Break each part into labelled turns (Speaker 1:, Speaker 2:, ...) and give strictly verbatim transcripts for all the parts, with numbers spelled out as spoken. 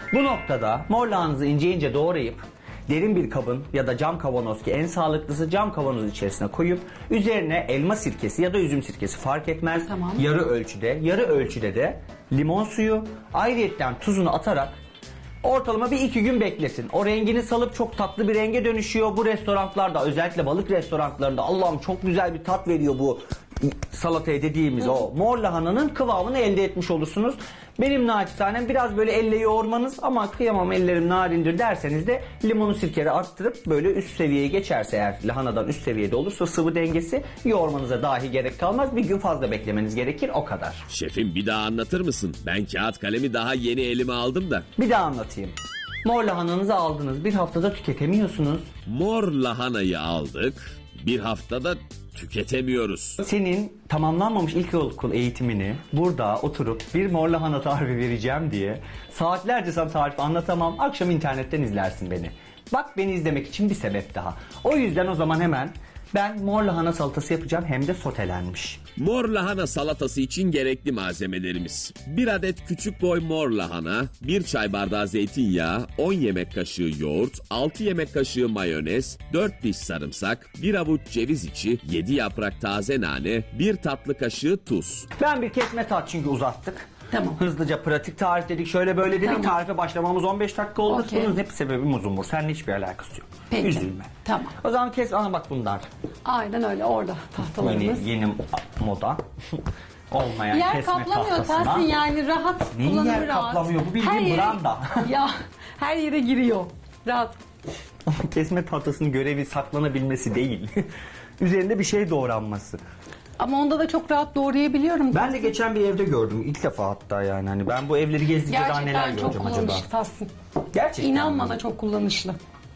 Speaker 1: Bu noktada mor lahananızı ince ince doğrayıp derin bir kabın ya da cam kavanoz, ki en sağlıklısı cam kavanoz içerisine koyup üzerine elma sirkesi ya da üzüm sirkesi fark etmez.
Speaker 2: Tamam.
Speaker 1: Yarı ölçüde, yarı ölçüde de limon suyu, ayrıyetten tuzunu atarak ortalama bir iki gün beklesin. O rengini salıp çok tatlı bir renge dönüşüyor. Bu restoranlarda, özellikle balık restoranlarında Allah'ım çok güzel bir tat veriyor bu salataya dediğimiz Hı. o mor lahananın kıvamını elde etmiş olursunuz. Benim naçizanem biraz böyle elle yoğurmanız, ama kıyamam ellerim narindir derseniz de limonu sirkeri arttırıp böyle üst seviyeye geçerse, eğer lahanadan üst seviyede olursa sıvı dengesi, yoğurmanıza dahi gerek kalmaz. Bir gün fazla beklemeniz gerekir, o kadar.
Speaker 3: Şefim bir daha anlatır mısın? Ben kağıt kalemi daha yeni elime aldım da.
Speaker 1: Bir daha anlatayım. Mor lahananızı aldınız, bir haftada tüketemiyorsunuz.
Speaker 3: Mor lahanayı aldık, bir haftada tüketemiyoruz.
Speaker 1: Senin tamamlanmamış ilkokul eğitimini burada oturup bir mor lahana tarifi vereceğim diye saatlerce sana tarifi anlatamam. Akşam internetten izlersin beni. Bak, beni izlemek için bir sebep daha. O yüzden o zaman hemen ben mor lahana salatası yapacağım, hem de sotelenmiş.
Speaker 3: Mor lahana salatası için gerekli malzemelerimiz: bir adet küçük boy mor lahana, bir çay bardağı zeytinyağı, on yemek kaşığı yoğurt, altı yemek kaşığı mayonez, dört diş sarımsak, bir avuç ceviz içi, yedi yaprak taze nane, bir tatlı kaşığı tuz.
Speaker 1: Ben bir kesme tat, çünkü uzattık.
Speaker 2: Tamam.
Speaker 1: Hızlıca pratik tarif dedik, şöyle böyle dedik.
Speaker 2: Tamam.
Speaker 1: Tarife başlamamız on beş dakika oldu.
Speaker 2: Okey.
Speaker 1: Bunun hep sebebi muzumur. Seninle hiçbir alakası yok.
Speaker 2: Peki.
Speaker 1: Üzülme.
Speaker 2: Tamam.
Speaker 1: O zaman kes, ana bak bunlar.
Speaker 2: Aynen öyle, orada tahtalarımız.
Speaker 1: Yeni, yeni moda. Olmayan
Speaker 2: Yer
Speaker 1: kesme
Speaker 2: kaplamıyor
Speaker 1: tahtasına.
Speaker 2: Tahsin, yani rahat
Speaker 1: Neyi
Speaker 2: kullanımı
Speaker 1: yer
Speaker 2: rahat.
Speaker 1: kaplamıyor? Bu bildiğin
Speaker 2: Her yere-
Speaker 1: branda.
Speaker 2: Ya her yere giriyor. Rahat.
Speaker 1: Kesme tahtasının görevi saklanabilmesi değil. Üzerinde bir şey doğranması.
Speaker 2: Ama onda da çok rahat doğrayabiliyorum.
Speaker 1: Ben de geçen bir evde gördüm. İlk defa hatta yani. Hani ben bu evleri gezdikçe daha neler
Speaker 2: Gerçekten çok
Speaker 1: göreceğim acaba.
Speaker 2: kullanışlı Tahsin.
Speaker 1: Gerçekten.
Speaker 2: İnan
Speaker 1: mi?
Speaker 2: bana, çok kullanışlı.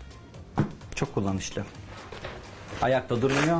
Speaker 1: Çok kullanışlı. Ayakta durmuyor.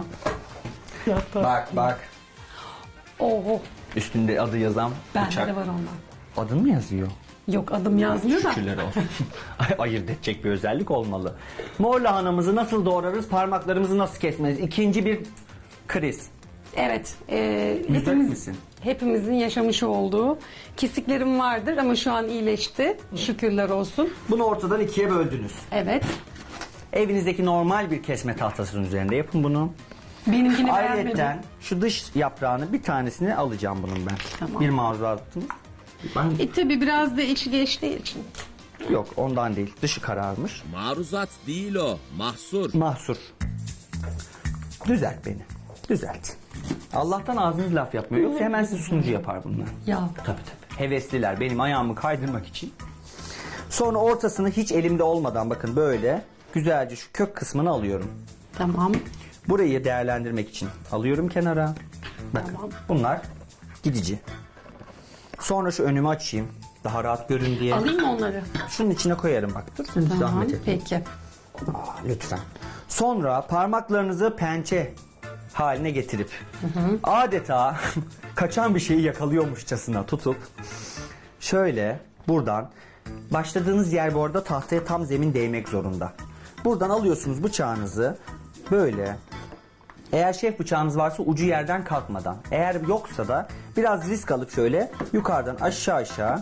Speaker 1: Bak bak.
Speaker 2: Oho.
Speaker 1: Üstünde adı yazan
Speaker 2: Bende
Speaker 1: bıçak.
Speaker 2: de var ondan.
Speaker 1: Adın mı yazıyor?
Speaker 2: Yok, adım yazmıyor da.
Speaker 1: Şükürler olsun. Ay- Ayırt edecek bir özellik olmalı. Mor lahanamızı nasıl doğrarız? Parmaklarımızı nasıl kesmeliyiz? İkinci bir kriz.
Speaker 2: Evet. E,
Speaker 1: Müsait
Speaker 2: hepimiz,
Speaker 1: misin?
Speaker 2: hepimizin yaşamış olduğu kesiklerim vardır ama şu an iyileşti. Şükürler olsun.
Speaker 1: Bunu ortadan ikiye böldünüz.
Speaker 2: Evet.
Speaker 1: Evinizdeki normal bir kesme tahtasının üzerinde yapın bunu.
Speaker 2: Benimkini beğenmedim.
Speaker 1: Ayrıca şu dış yaprağını, bir tanesini alacağım bunun ben.
Speaker 2: Tamam.
Speaker 1: Bir mazuratım. Ben...
Speaker 2: E tabi biraz da içi geçtiği için.
Speaker 1: Yok, ondan değil. Dışı kararmış.
Speaker 3: Maruzat değil o, mahsur.
Speaker 1: Mahsur. Düzelt beni. Düzelt. Allah'tan ağzınız laf yapmıyor. Yoksa hemen sizi sunucu yapar bunlar.
Speaker 2: Ya.
Speaker 1: Tabii tabii. Hevesliler benim ayağımı kaydırmak için. Sonra ortasını hiç elimde olmadan, bakın böyle güzelce şu kök kısmını alıyorum.
Speaker 2: Tamam.
Speaker 1: Burayı değerlendirmek için alıyorum kenara. Bakın
Speaker 2: Tamam.
Speaker 1: bunlar gidici. Sonra şu önümü açayım. Daha rahat görün diye.
Speaker 2: Alayım mı onları?
Speaker 1: Şunun içine koyarım bak. Dur,
Speaker 2: Tamam.
Speaker 1: zahmet etme.
Speaker 2: Peki.
Speaker 1: Aa, lütfen. Sonra parmaklarınızı pençe haline getirip adeta kaçan bir şeyi yakalıyormuşçasına tutup şöyle buradan, başladığınız yer bu arada tahtaya tam zemin değmek zorunda. Buradan alıyorsunuz bıçağınızı böyle. Eğer şef bıçağınız varsa ucu yerden kalkmadan. Eğer yoksa da biraz risk alıp şöyle yukarıdan aşağı aşağı.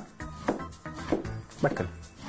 Speaker 1: Bakın.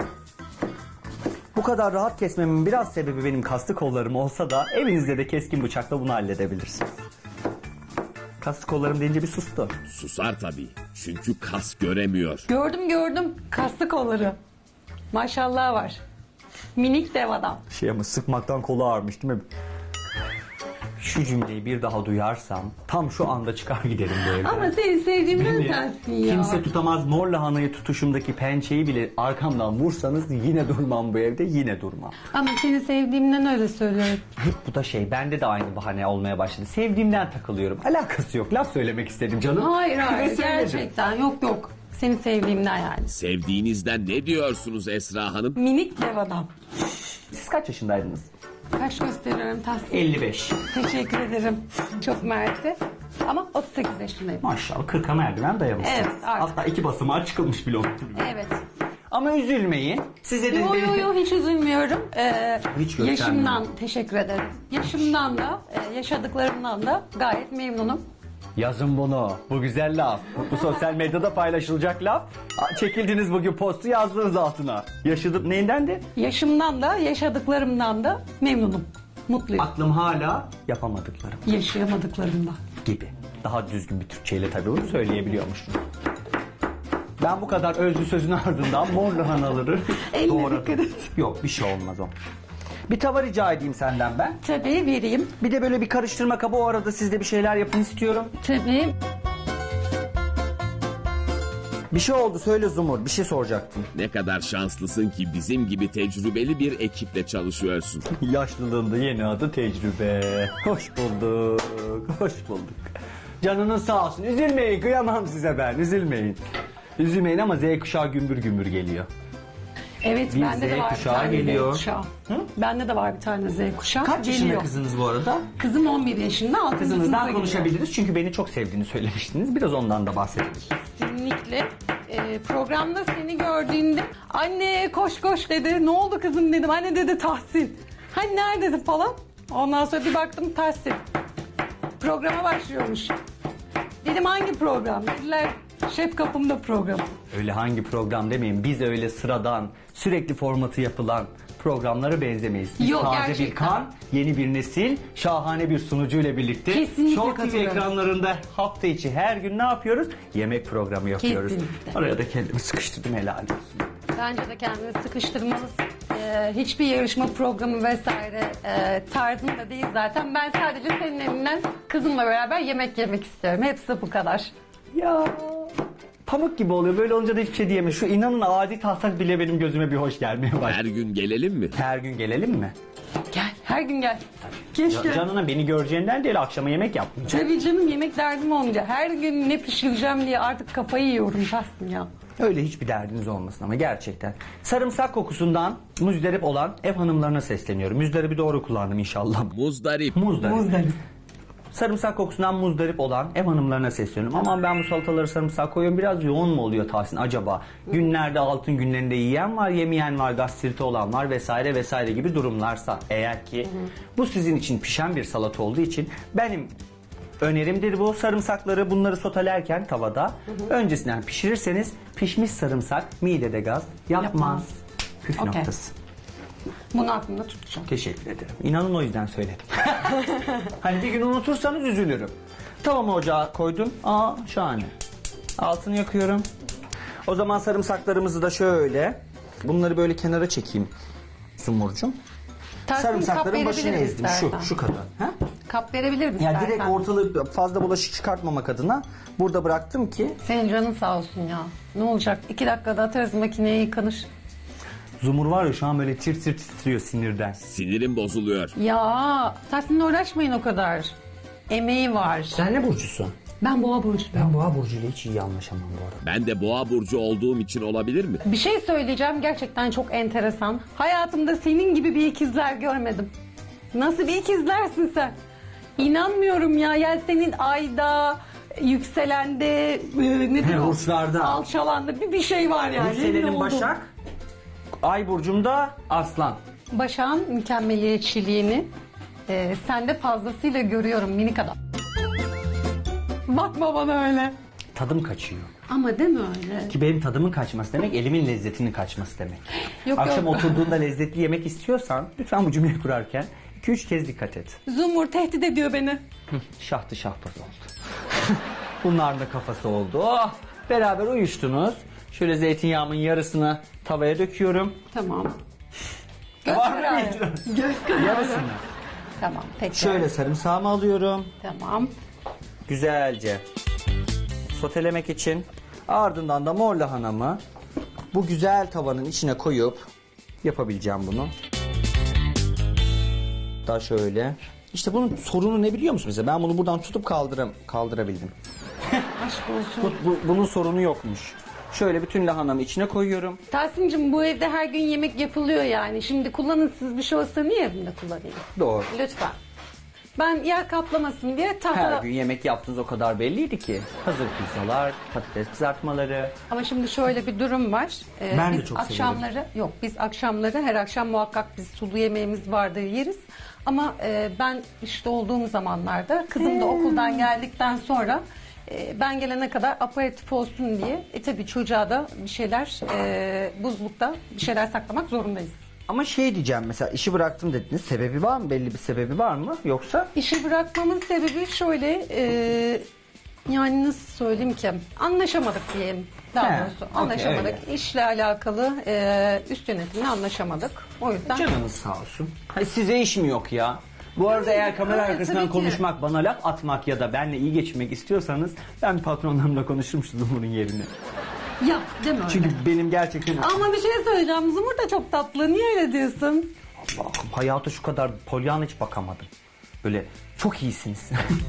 Speaker 1: Bu kadar rahat kesmemin biraz sebebi benim kaslı kollarım olsa da evinizde de keskin bıçakla bunu halledebilirsiniz. Kaslı kollarım deyince bir sustu.
Speaker 3: Susar tabii, çünkü kas göremiyor.
Speaker 2: Gördüm gördüm. Kaslı kolları. Maşallah var. Minik dev adam.
Speaker 1: Şey ama sıkmaktan kolu ağrımış değil mi? Şu cümleyi bir daha duyarsam tam şu anda çıkar giderim bu evden.
Speaker 2: Ama seni sevdiğimden
Speaker 1: Beni
Speaker 2: sensin ya.
Speaker 1: kimse tutamaz, mor lahanayı tutuşumdaki pençeyi bile arkamdan vursanız yine durmam bu evde, yine durmam.
Speaker 2: Ama seni sevdiğimden öyle söylüyorum.
Speaker 1: Hep bu da şey, bende de aynı bahane olmaya başladı. Sevdiğimden takılıyorum. Alakası yok, laf söylemek istedim canım.
Speaker 2: Hayır
Speaker 1: Ve
Speaker 2: hayır,
Speaker 1: söyledim.
Speaker 2: gerçekten yok yok. Seni sevdiğimden yani.
Speaker 3: Sevdiğinizden ne diyorsunuz Esra Hanım?
Speaker 2: Minik dev adam.
Speaker 1: Siz kaç yaşındaydınız?
Speaker 2: Kaç gösteriyorum Tahsin?
Speaker 1: elli beş.
Speaker 2: Teşekkür ederim. Çok mersi. Ama otuz sekiz yaşındayım.
Speaker 1: Maşallah kırka merdiven dayamışsınız.
Speaker 2: Evet, artık.
Speaker 1: Hatta iki basamağa çıkılmış bile oldu.
Speaker 2: Evet.
Speaker 1: Ama üzülmeyin. Size de
Speaker 2: Yo yo yo, hiç üzülmüyorum. Ee,
Speaker 1: Hiç göstermiyorum.
Speaker 2: yaşımdan teşekkür ederim. Yaşımdan da e, yaşadıklarımdan da gayet memnunum.
Speaker 1: Yazın bunu. Bu güzel laf. Bu sosyal medyada paylaşılacak laf. Aa, çekildiniz bugün postu yazdınız altına. Yaşadım neyindendi?
Speaker 2: Yaşımdan da yaşadıklarımdan da memnunum. Mutluyum.
Speaker 1: Aklım hala yapamadıklarım
Speaker 2: Yaşayamadıklarımdan.
Speaker 1: gibi. Daha düzgün bir Türkçeyle tabii bunu söyleyebiliyormuşum. Ben bu kadar özlü sözün ardından mor lahanaları
Speaker 2: Eline
Speaker 1: doğradım.
Speaker 2: dikkat et.
Speaker 1: Yok bir şey olmaz o. Bir tava rica edeyim senden ben.
Speaker 2: Tabii vereyim.
Speaker 1: Bir de böyle bir karıştırma kabı, o arada siz de bir şeyler yapın istiyorum.
Speaker 2: Tabii.
Speaker 1: Bir şey oldu, söyle Zumur, bir şey soracaktım.
Speaker 3: Ne kadar şanslısın ki bizim gibi tecrübeli bir ekiple çalışıyorsun.
Speaker 1: Yaşlılığında yeni adı tecrübe. Hoş bulduk, hoş bulduk. Canınız sağ olsun, üzülmeyin, kıyamam size ben, üzülmeyin. Üzülmeyin ama Z kuşağı gümbür gümbür geliyor.
Speaker 2: Evet
Speaker 1: Bir
Speaker 2: bende de
Speaker 1: Z
Speaker 2: var bir
Speaker 1: kuşağı
Speaker 2: tane
Speaker 1: geliyor.
Speaker 2: Z kuşağı. Bende de var bir tane Z kuşağı.
Speaker 1: Kaç yaşında
Speaker 2: Geliyor.
Speaker 1: kızınız bu arada?
Speaker 2: Kızım on bir yaşında. altıncı sınıfa
Speaker 1: Kızınızdan
Speaker 2: gidiyor.
Speaker 1: konuşabiliriz çünkü beni çok sevdiğini söylemiştiniz. Biraz ondan da bahsedelim.
Speaker 2: Kesinlikle. Ee, programda seni gördüğünde anne koş koş dedi. Ne oldu kızım dedim. Anne dedi Tahsin. Hani neredesin falan. Ondan sonra bir baktım Tahsin. Programa başlıyormuş. Dedim hangi program? Dediler şef kapımda program.
Speaker 1: Öyle hangi program demeyin. Biz öyle sıradan, sürekli formatı yapılan programlara benzemeyiz. Biz
Speaker 2: Yok,
Speaker 1: taze bir
Speaker 2: gerçekten.
Speaker 1: kan, yeni bir nesil, şahane bir sunucuyla birlikte
Speaker 2: Kesinlikle
Speaker 1: Show T V
Speaker 2: katılıyorum.
Speaker 1: ekranlarında hafta içi her gün ne yapıyoruz? Yemek programı yapıyoruz.
Speaker 2: Kesinlikle.
Speaker 1: Oraya da kendimi sıkıştırdım, helal olsun.
Speaker 2: Bence de kendini sıkıştırmalısın. Ee, hiçbir yarışma programı vesaire e, tarzım da değil zaten. Ben sadece senin elinden kızımla beraber yemek yemek istiyorum. Hepsi bu kadar.
Speaker 1: Ya pamuk gibi oluyor. Böyle olunca da hiçbir şey diyemem. Şu inanın adi taslak bile benim gözüme bir hoş gelmeye başladı.
Speaker 3: Her gün gelelim mi?
Speaker 1: Her gün gelelim mi?
Speaker 2: Gel, her gün gel. Keşke.
Speaker 1: Ya, canına beni göreceğinden değil, akşama yemek yapmayacağım.
Speaker 2: Tabii canım yemek derdim olunca. Her gün ne pişireceğim diye artık kafayı yiyorum Tahsin ya.
Speaker 1: Öyle hiçbir derdiniz olmasın ama gerçekten. Sarımsak kokusundan muzdarip olan ev hanımlarına sesleniyorum. Muzdaribi doğru kullandım inşallah.
Speaker 3: Muzdarip.
Speaker 1: Muzdarip. Sarımsak kokusundan muzdarip olan ev hanımlarına sesleniyorum. Aman ben bu salataları sarımsak koyuyorum, biraz yoğun mu oluyor Tahsin acaba? Günlerde altın günlerinde yiyen var, yemeyen var, gastriti olan var vesaire vesaire gibi durumlarsa eğer ki bu sizin için pişen bir salata olduğu için benim önerimdir bu. Sarımsakları bunları sotelerken tavada öncesinden pişirirseniz pişmiş sarımsak midede gaz yapmaz.
Speaker 2: Yapmaz.
Speaker 1: Püf
Speaker 2: Okey.
Speaker 1: noktası.
Speaker 2: Bunu aklımda tutacağım.
Speaker 1: Teşekkür ederim. İnanın o yüzden söyledim. Hani bir gün unutursanız üzülürüm. Tavamı ocağa koydum. Aa şahane. Altını yakıyorum. O zaman sarımsaklarımızı da şöyle. Bunları böyle kenara çekeyim. Sumurcuğum.
Speaker 2: Tahsin, kap
Speaker 1: Sarımsakların başını
Speaker 2: verebilirim
Speaker 1: ezdim. Şu,
Speaker 2: istersen.
Speaker 1: şu kadar. Ha?
Speaker 2: Kap verebilirim
Speaker 1: Yani
Speaker 2: istersen.
Speaker 1: direkt ortalığı fazla bulaşık çıkartmamak adına burada bıraktım ki
Speaker 2: Senin canın sağ olsun ya. Ne olacak? İki dakikada atarız makineye yıkanır.
Speaker 1: Zumur var ya şu an böyle tir tir titriyor sinirden.
Speaker 3: Sinirim bozuluyor.
Speaker 2: Ya Tahsin'le uğraşmayın o kadar. Emeği var.
Speaker 1: Sen ne burcusun?
Speaker 2: Ben boğa burcu.
Speaker 1: Ben boğa burcuyla hiç iyi anlaşamam bu arada.
Speaker 3: Ben de boğa burcu olduğum için olabilir mi?
Speaker 2: Bir şey söyleyeceğim gerçekten çok enteresan. Hayatımda senin gibi bir ikizler görmedim. Nasıl bir ikizlersin sen? İnanmıyorum ya. Yani senin ayda, yükselende, e, nedir
Speaker 1: He,
Speaker 2: o?
Speaker 1: burçlarda.
Speaker 2: Alçalanda bir, bir şey var yani. Emin
Speaker 1: Yükselenim
Speaker 2: oldum.
Speaker 1: Başak, Ay burcumda Aslan.
Speaker 2: Başak'ın mükemmeliyetçiliğini e, sende fazlasıyla görüyorum minik adam. Bakma bana öyle.
Speaker 1: Tadım kaçıyor.
Speaker 2: Ama deme öyle.
Speaker 1: Ki benim tadımın kaçması demek elimin lezzetinin kaçması demek.
Speaker 2: Yok,
Speaker 1: Akşam
Speaker 2: yok.
Speaker 1: oturduğunda lezzetli yemek istiyorsan lütfen bu cümleyi kurarken iki üç kez dikkat et.
Speaker 2: Zumur tehdit ediyor beni.
Speaker 1: Hı, şahtı şahbaz oldu. Bunların da kafası oldu. Oh, beraber uyuştunuz. Şöyle zeytinyağımın yarısını tavaya döküyorum.
Speaker 2: Tamam. Göz
Speaker 1: Var mı
Speaker 2: kararı.
Speaker 1: bir-
Speaker 2: Göz kararı.
Speaker 1: Yarısını.
Speaker 2: Tamam peki.
Speaker 1: Şöyle sarımsağımı alıyorum.
Speaker 2: Tamam.
Speaker 1: Güzelce sotelemek için. Ardından da mor lahanamı bu güzel tavanın içine koyup yapabileceğim bunu. Daha şöyle. İşte bunun sorunu ne biliyor musun mesela? Ben bunu buradan tutup kaldıram kaldırabildim.
Speaker 2: Aşk olsun.
Speaker 1: Bu, bu- bunun sorunu yokmuş. Şöyle bütün lahanamı içine koyuyorum.
Speaker 2: Tahsin'cim bu evde her gün yemek yapılıyor yani. Şimdi kullanın siz bir şey olsa niye evimde kullanayım?
Speaker 1: Doğru.
Speaker 2: Lütfen. Ben yer kaplamasın diye
Speaker 1: Her
Speaker 2: tahta...
Speaker 1: gün yemek yaptığınız o kadar belliydi ki. Hazır pizzalar, patates kızartmaları.
Speaker 2: Ama şimdi şöyle bir durum var. Ee,
Speaker 1: Ben de
Speaker 2: biz
Speaker 1: çok
Speaker 2: akşamları yok biz akşamları her akşam muhakkak biz sulu yemeğimiz vardır yeriz. Ama e, ben işte olduğum zamanlarda kızım da okuldan geldikten sonra e, ben gelene kadar aperatif olsun diye e tabii çocuğa da bir şeyler e, buzlukta bir şeyler saklamak zorundayız.
Speaker 1: Ama şey diyeceğim, mesela işi bıraktım dediniz. Sebebi var mı? Belli bir sebebi var mı? Yoksa?
Speaker 2: İşi bırakmamın sebebi şöyle e, yani nasıl söyleyeyim ki anlaşamadık diyelim. Daha
Speaker 1: He,
Speaker 2: doğrusu
Speaker 1: okey,
Speaker 2: anlaşamadık.
Speaker 1: öyle.
Speaker 2: İşle alakalı e, üst yönetimle anlaşamadık. O yüzden
Speaker 1: Canınız sağ olsun. Hayır, size iş mi yok ya? Bu arada eğer kamera
Speaker 2: Evet,
Speaker 1: arkasından
Speaker 2: tabii ki.
Speaker 1: konuşmak, bana laf atmak ya da benle iyi geçinmek istiyorsanız ben patronlarımla konuşurmuştum bunun yerine.
Speaker 2: yap değil mi öyle?
Speaker 1: Çünkü benim gerçekten
Speaker 2: Ama bir şey söyleyeceğim. Zumur da çok tatlı. Niye öyle diyorsun?
Speaker 1: Allah'ım, hayata şu kadar Pollyanna hiç bakamadım. Böyle çok iyisiniz.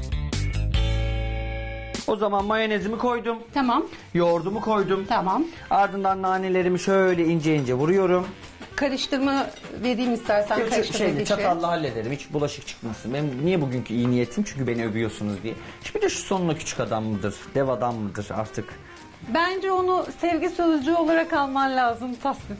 Speaker 1: O zaman mayonezimi koydum.
Speaker 2: Tamam.
Speaker 1: Yoğurdumu koydum.
Speaker 2: Tamam.
Speaker 1: Ardından nanelerimi şöyle ince ince vuruyorum.
Speaker 2: Karıştırma vereyim istersen.
Speaker 1: Yok,
Speaker 2: Karıştırma
Speaker 1: şeyle,
Speaker 2: geçi.
Speaker 1: çatalla hallederim. Hiç bulaşık çıkmasın. Benim niye bugünkü iyi niyetim? Çünkü beni övüyorsunuz diye. Şimdi şu sonuna küçük adam mıdır? Dev adam mıdır artık?
Speaker 2: Bence onu sevgi sözcüğü olarak alman lazım Tahsin.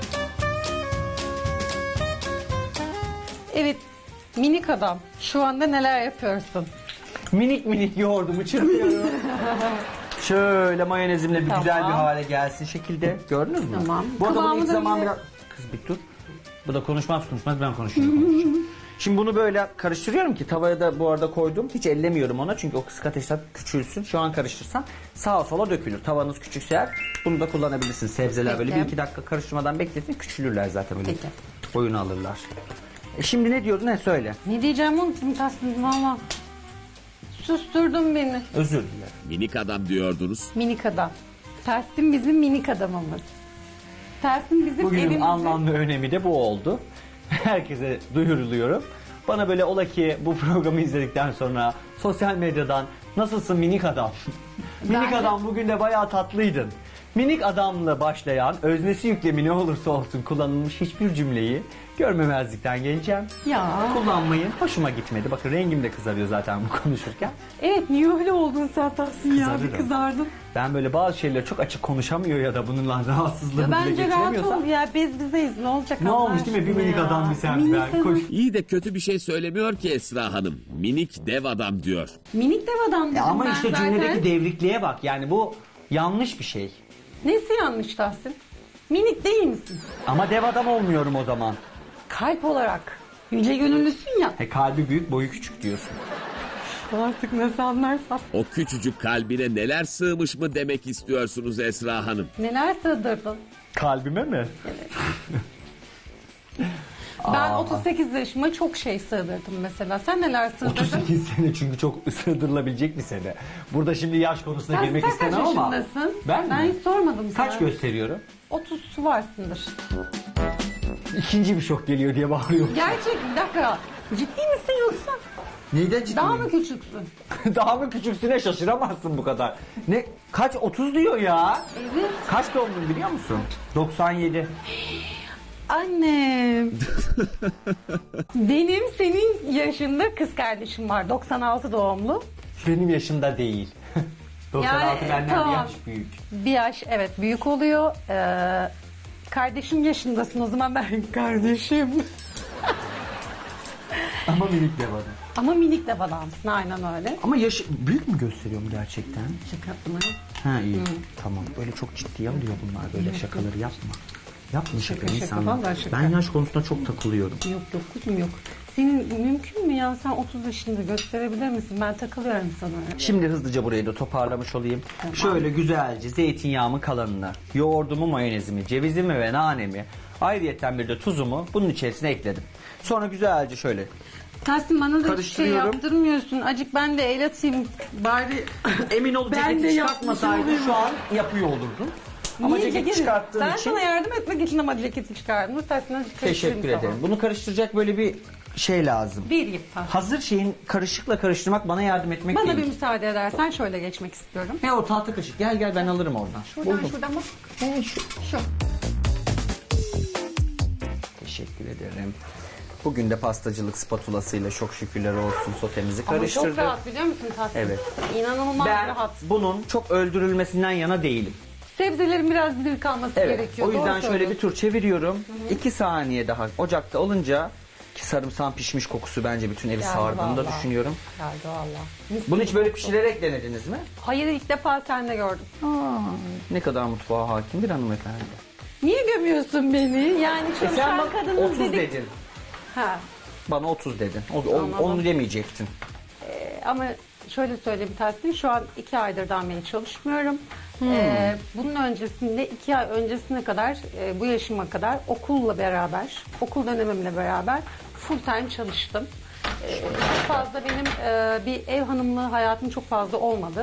Speaker 2: Evet. Minik adam. Şu anda neler yapıyorsun?
Speaker 1: Minik minik yoğurdumu çırpıyorum. Şöyle mayonezimle bir
Speaker 2: Tamam.
Speaker 1: güzel bir hale gelsin şekilde. Gördünüz mü?
Speaker 2: Tamam.
Speaker 1: Bu arada bunu
Speaker 2: Kıvamı
Speaker 1: ilk
Speaker 2: da
Speaker 1: zaman
Speaker 2: güzel.
Speaker 1: biraz... Kız bir dur. Bu da konuşmaz konuşmaz ben konuşuyorum. konuşuyorum. Şimdi bunu böyle karıştırıyorum ki tavaya da bu arada koydum. Hiç ellemiyorum ona çünkü o kısık ateşte küçülsün. Şu an karıştırsam sağa sola dökülür. Tavanız küçükse eğer bunu da kullanabilirsiniz. Sebzeler böyle bir
Speaker 2: Peki.
Speaker 1: iki dakika karıştırmadan bekletin. Küçülürler zaten böyle.
Speaker 2: Peki.
Speaker 1: Boyunu alırlar. E şimdi ne diyordun, ne söyle?
Speaker 2: Ne diyeceğim unuttum Tahsin valla. Susturdun beni.
Speaker 1: Özür dilerim.
Speaker 3: Minik adam diyordunuz.
Speaker 2: Minik adam. Tahsin bizim minik adamımız. Tahsin bizim
Speaker 1: Bugünün
Speaker 2: evimizin...
Speaker 1: anlam ve önemi de bu oldu. Herkese duyuruluyorum. Bana böyle ola ki bu programı izledikten sonra sosyal medyadan nasılsın minik adam? Minik
Speaker 2: Ben-
Speaker 1: adam bugün de bayağı tatlıydın. Minik adamla başlayan öznesi yüklemi ne olursa olsun kullanılmış hiçbir cümleyi görmemezlikten geleceğim.
Speaker 2: Ya.
Speaker 1: Kullanmayın. Hoşuma gitmedi. Bakın rengim de kızarıyor zaten bu konuşurken.
Speaker 2: Evet niye öyle oldun sen Tahsin ya? Bir
Speaker 1: Kızarırım.
Speaker 2: kızardın.
Speaker 1: Ben böyle bazı şeyleri çok açık konuşamıyor ya da bununla rahatsızlığımı
Speaker 2: Ya
Speaker 1: dile
Speaker 2: bence rahat
Speaker 1: getiremiyorsam.
Speaker 2: ol ya biz bizeyiz ne olacak
Speaker 1: Ne
Speaker 2: Allah
Speaker 1: olmuş değil mi? Bir
Speaker 2: aşkına
Speaker 1: minik
Speaker 2: ya.
Speaker 1: adam bir sen
Speaker 2: Minik
Speaker 1: ben.
Speaker 2: adam.
Speaker 1: Koş.
Speaker 3: İyi de kötü bir şey söylemiyor ki Esra Hanım. Minik dev adam diyor.
Speaker 2: Minik dev adam dedim
Speaker 1: Ya ama
Speaker 2: ben
Speaker 1: işte
Speaker 2: zaten.
Speaker 1: cümledeki devrikliğe bak. Yani bu yanlış bir şey.
Speaker 2: Nesi yanlış Tahsin? Minik değil misin?
Speaker 1: Ama dev adam olmuyorum o zaman.
Speaker 2: Kalp olarak. Yüce gönüllüsün ya.
Speaker 1: He, kalbi büyük, boyu küçük diyorsun.
Speaker 2: Artık nasıl anlarsan.
Speaker 3: O küçücük kalbine neler sığmış mı demek istiyorsunuz Esra Hanım?
Speaker 2: Neler sığdırdın?
Speaker 1: Kalbime mi?
Speaker 2: Ben otuz sekiz yaşıma çok şey sığdırdım mesela. Sen neler sığdırdın?
Speaker 1: otuz sekiz sene çünkü çok sığdırılabilecek bir sene. Burada şimdi yaş konusuna
Speaker 2: Sen,
Speaker 1: girmek
Speaker 2: sen kaç
Speaker 1: istemem ama.
Speaker 2: yaşındasın?
Speaker 1: Ben,
Speaker 2: Ben
Speaker 1: mi?
Speaker 2: hiç sormadım sana.
Speaker 1: Kaç gösteriyorum?
Speaker 2: otuz varsındır.
Speaker 1: İkinci bir şok geliyor diye bağırıyorum.
Speaker 2: Gerçek bir dakika. Ciddi misin yoksa?
Speaker 1: Neyden ciddi
Speaker 2: Daha
Speaker 1: miyim?
Speaker 2: mı küçüksün?
Speaker 1: Daha mı küçüksüne şaşıramazsın bu kadar. Ne? Kaç? otuz diyor ya.
Speaker 2: Evet.
Speaker 1: Kaç doğumluyum biliyor musun? doksan yedi.
Speaker 2: Annem. Benim senin yaşında kız kardeşim var. doksan altı doğumlu.
Speaker 1: Benim yaşımda değil. doksan altı
Speaker 2: Yani,
Speaker 1: benden bir
Speaker 2: tamam.
Speaker 1: yaş büyük.
Speaker 2: Bir yaş evet büyük oluyor. Ee, kardeşim yaşındasın o zaman ben kardeşim.
Speaker 1: Ama minik de var.
Speaker 2: Ama minik de adamsın aynen öyle.
Speaker 1: Ama yaş büyük mü gösteriyorum gerçekten?
Speaker 2: Şaka yaptım ha.
Speaker 1: Ha iyi. Tamam. Böyle çok ciddiye alıyor bunlar. Böyle şakaları yapma. Yapma şaka,
Speaker 2: şaka,
Speaker 1: insanlar.
Speaker 2: vallahi şaka.
Speaker 1: Ben yaş konusunda çok takılıyorum.
Speaker 2: Yok yok kuzum yok. Senin mümkün mü ya sen otuz yaşında gösterebilir misin? Ben takılıyorum sana.
Speaker 1: Şimdi hızlıca burayı da toparlamış olayım. Şöyle güzelce zeytinyağımın kalanını, yoğurdumu, mayonezimi, cevizimi ve nanemi, ayrıyetten bir de tuzumu bunun içerisine ekledim. Sonra güzelce şöyle
Speaker 2: Tahsin bana da hiçbir şey
Speaker 1: Karıştırıyorum.
Speaker 2: yaptırmıyorsun. Acık ben de el atayım bari.
Speaker 1: emin ol
Speaker 2: Ben
Speaker 1: ceketi
Speaker 2: de
Speaker 1: çıkartmasaydın
Speaker 2: yapmışım.
Speaker 1: şu an yapıyor olurdun. Ama
Speaker 2: Niye
Speaker 1: ceketi
Speaker 2: ceketi-
Speaker 1: çıkarttığın
Speaker 2: ben
Speaker 1: için
Speaker 2: sana yardım etmek için ama ceketi çıkardım. Tahsin azıcık
Speaker 1: teşekkür
Speaker 2: karıştırayım
Speaker 1: ederim.
Speaker 2: sana.
Speaker 1: Bunu karıştıracak böyle bir şey lazım.
Speaker 2: Bir yip Tahsin.
Speaker 1: Hazır şeyin karışıkla karıştırmak bana yardım etmek
Speaker 2: Bana
Speaker 1: değil.
Speaker 2: bir müsaade edersen şöyle geçmek istiyorum.
Speaker 1: Ne o tahta kaşık? Gel gel ben alırım oradan.
Speaker 2: Şuradan
Speaker 1: Buldum.
Speaker 2: şuradan bak.
Speaker 1: He, şu.
Speaker 2: Şu.
Speaker 1: Teşekkür ederim. Bugün de pastacılık spatulasıyla çok şükürler olsun sotemizi
Speaker 2: Ama
Speaker 1: karıştırdık.
Speaker 2: çok rahat biliyor musun Tahsin?
Speaker 1: Evet.
Speaker 2: İnanılmaz
Speaker 1: Ben
Speaker 2: rahat.
Speaker 1: bunun çok öldürülmesinden yana değilim.
Speaker 2: Sebzelerin biraz diri kalması
Speaker 1: Evet.
Speaker 2: gerekiyor.
Speaker 1: O yüzden
Speaker 2: Doğru
Speaker 1: şöyle
Speaker 2: söylüyorsun.
Speaker 1: bir tur çeviriyorum. iki saniye daha ocakta olunca ki sarımsağın pişmiş kokusu bence bütün evi
Speaker 2: Geldi
Speaker 1: sardığını da
Speaker 2: vallahi.
Speaker 1: düşünüyorum.
Speaker 2: Geldi valla. Mis
Speaker 1: Bunu
Speaker 2: gibi
Speaker 1: hiç böyle
Speaker 2: koktu.
Speaker 1: pişirerek denediniz mi?
Speaker 2: Hayır, ilk defa sende gördüm.
Speaker 1: Ne kadar mutfağa hakim bir hanımefendi.
Speaker 2: Niye gömüyorsun beni? Yani
Speaker 1: E sen
Speaker 2: çalışan
Speaker 1: bak
Speaker 2: kadının
Speaker 1: otuz
Speaker 2: dedik.
Speaker 1: dedin.
Speaker 2: Ha.
Speaker 1: Bana otuz dedin. O, o-
Speaker 2: Anladım.
Speaker 1: onu demeyecektin.
Speaker 2: e, Ama şöyle söyleyeyim Tahsin, şu an iki aydır beri çalışmıyorum.
Speaker 1: Hmm.
Speaker 2: E, bunun öncesinde iki ay öncesine kadar, e, bu yaşıma kadar okulla beraber, okul dönemimle beraber full time çalıştım. E, çok fazla benim e, bir ev hanımlığı hayatım çok fazla olmadı.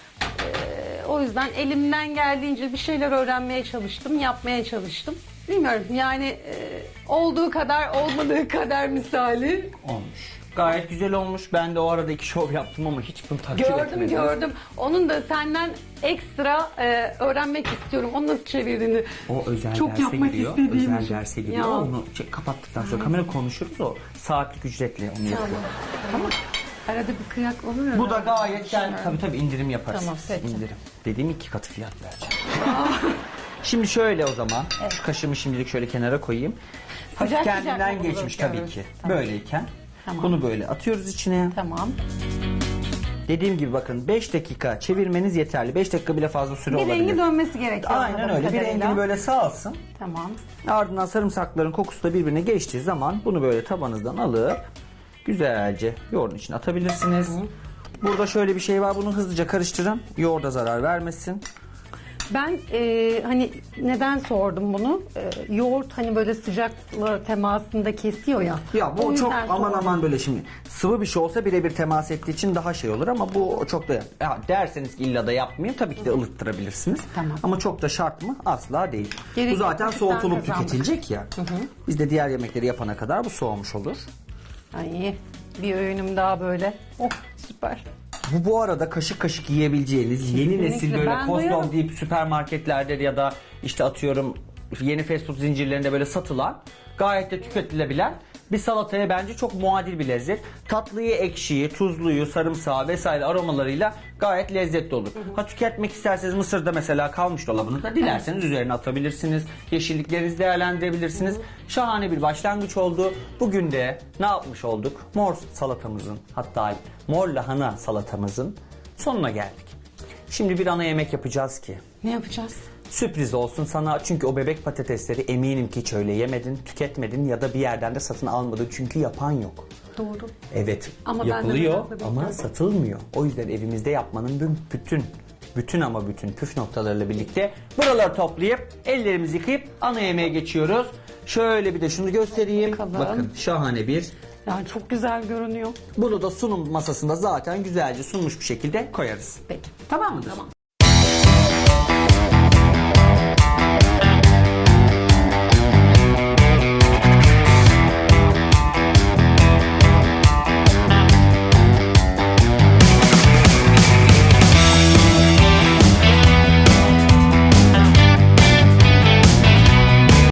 Speaker 2: E, o yüzden elimden geldiğince bir şeyler öğrenmeye çalıştım, yapmaya çalıştım. Bilmiyorum yani e, olduğu kadar olmadığı kadar misali.
Speaker 1: Olmuş. Gayet güzel olmuş. Ben de o arada iki şov yaptım ama hiç bunu takdir
Speaker 2: Gördüm
Speaker 1: etmedim.
Speaker 2: gördüm. Onun da senden ekstra e, öğrenmek istiyorum. Onu nasıl çevirdiğini.
Speaker 1: O özel
Speaker 2: Çok
Speaker 1: derse
Speaker 2: yapmak
Speaker 1: giriyor.
Speaker 2: istediğim
Speaker 1: Özel
Speaker 2: şey.
Speaker 1: derse giriyor.
Speaker 2: Ya.
Speaker 1: Onu çek- kapattıktan sonra kamera konuşuruz, o saatlik ücretle onu yapıyor.
Speaker 2: Tamam. Arada bir kıyak olur ya.
Speaker 1: Bu da gayet yani tabii tabii indirim yaparız.
Speaker 2: Tamam, peki.
Speaker 1: İndirim. Dediğim iki katı fiyat vereceğim. Şimdi şöyle o zaman. Şu kaşığımı şimdilik şöyle kenara koyayım. Hafif
Speaker 2: Sıcak sıcak
Speaker 1: kendinden
Speaker 2: mı
Speaker 1: geçmiş
Speaker 2: buluyoruz?
Speaker 1: tabii ki.
Speaker 2: Tamam.
Speaker 1: Böyleyken.
Speaker 2: Tamam.
Speaker 1: Bunu böyle atıyoruz içine.
Speaker 2: Tamam.
Speaker 1: Dediğim gibi bakın beş dakika çevirmeniz yeterli. beş dakika bile fazla süre
Speaker 2: Bir
Speaker 1: olabilir.
Speaker 2: rengi dönmesi gerekiyor.
Speaker 1: Aynen
Speaker 2: anladığım
Speaker 1: öyle. Bir
Speaker 2: kadarıyla.
Speaker 1: rengini böyle salsın.
Speaker 2: Tamam.
Speaker 1: Ardından sarımsakların kokusu da birbirine geçtiği zaman bunu böyle tabanınızdan alıp güzelce yoğurdun içine atabilirsiniz. Burada şöyle bir şey var. Bunu hızlıca karıştırın. Yoğurda zarar vermesin.
Speaker 2: Ben e, hani neden sordum bunu? E, yoğurt hani böyle sıcakla temasında kesiyor ya.
Speaker 1: Ya
Speaker 2: O
Speaker 1: bu çok
Speaker 2: yüzden
Speaker 1: aman
Speaker 2: sordum.
Speaker 1: aman böyle şimdi sıvı bir şey olsa birebir temas ettiği için daha şey olur ama bu çok da ya derseniz ki illa da yapmayayım tabii ki de ılıttırabilirsiniz.
Speaker 2: Tamam.
Speaker 1: Ama çok da şart mı? Asla değil.
Speaker 2: Gerek
Speaker 1: bu zaten
Speaker 2: yok,
Speaker 1: soğutulup
Speaker 2: kazandık.
Speaker 1: tüketilecek ya. Biz de diğer yemekleri yapana kadar bu soğumuş olur.
Speaker 2: Ay, bir öğünüm daha böyle. Oh süper.
Speaker 1: Bu bu arada kaşık kaşık yiyebileceğiniz yeni
Speaker 2: Kesinlikle.
Speaker 1: nesil böyle
Speaker 2: Ben
Speaker 1: Kozlov
Speaker 2: duyarım.
Speaker 1: deyip süpermarketlerde ya da işte atıyorum yeni fast food zincirlerinde böyle satılan gayet de tüketilebilen bir salataya bence çok muadil bir lezzet. Tatlıyı, ekşiyi, tuzluyu, sarımsağı vesaire aromalarıyla gayet lezzetli olur. Ha tüketmek isterseniz mısırda mesela kalmış dolabınızda dilerseniz üzerine atabilirsiniz. Yeşilliklerinizi değerlendirebilirsiniz. Şahane bir başlangıç oldu. Bugün de ne yapmış olduk? Mor salatamızın hatta mor lahana salatamızın sonuna geldik. Şimdi bir ana yemek yapacağız ki
Speaker 2: Ne yapacağız?
Speaker 1: sürpriz olsun sana çünkü o bebek patatesleri eminim ki hiç öyle yemedin, tüketmedin ya da bir yerden de satın almadın çünkü yapan yok.
Speaker 2: Doğru.
Speaker 1: Evet
Speaker 2: Ama ben de
Speaker 1: yapılıyor
Speaker 2: merakla bekliyorum.
Speaker 1: ama satılmıyor. O yüzden evimizde yapmanın bu- bütün bütün ama bütün püf noktalarıyla birlikte buraları toplayıp ellerimizi yıkayıp ana yemeğe geçiyoruz. Şöyle bir de şunu göstereyim.
Speaker 2: Bakalım.
Speaker 1: Bakın şahane bir.
Speaker 2: Yani çok güzel görünüyor.
Speaker 1: Bunu da sunum masasında zaten güzelce sunmuş bir şekilde koyarız.
Speaker 2: Peki.
Speaker 1: Tamam mıdır?
Speaker 2: Tamam.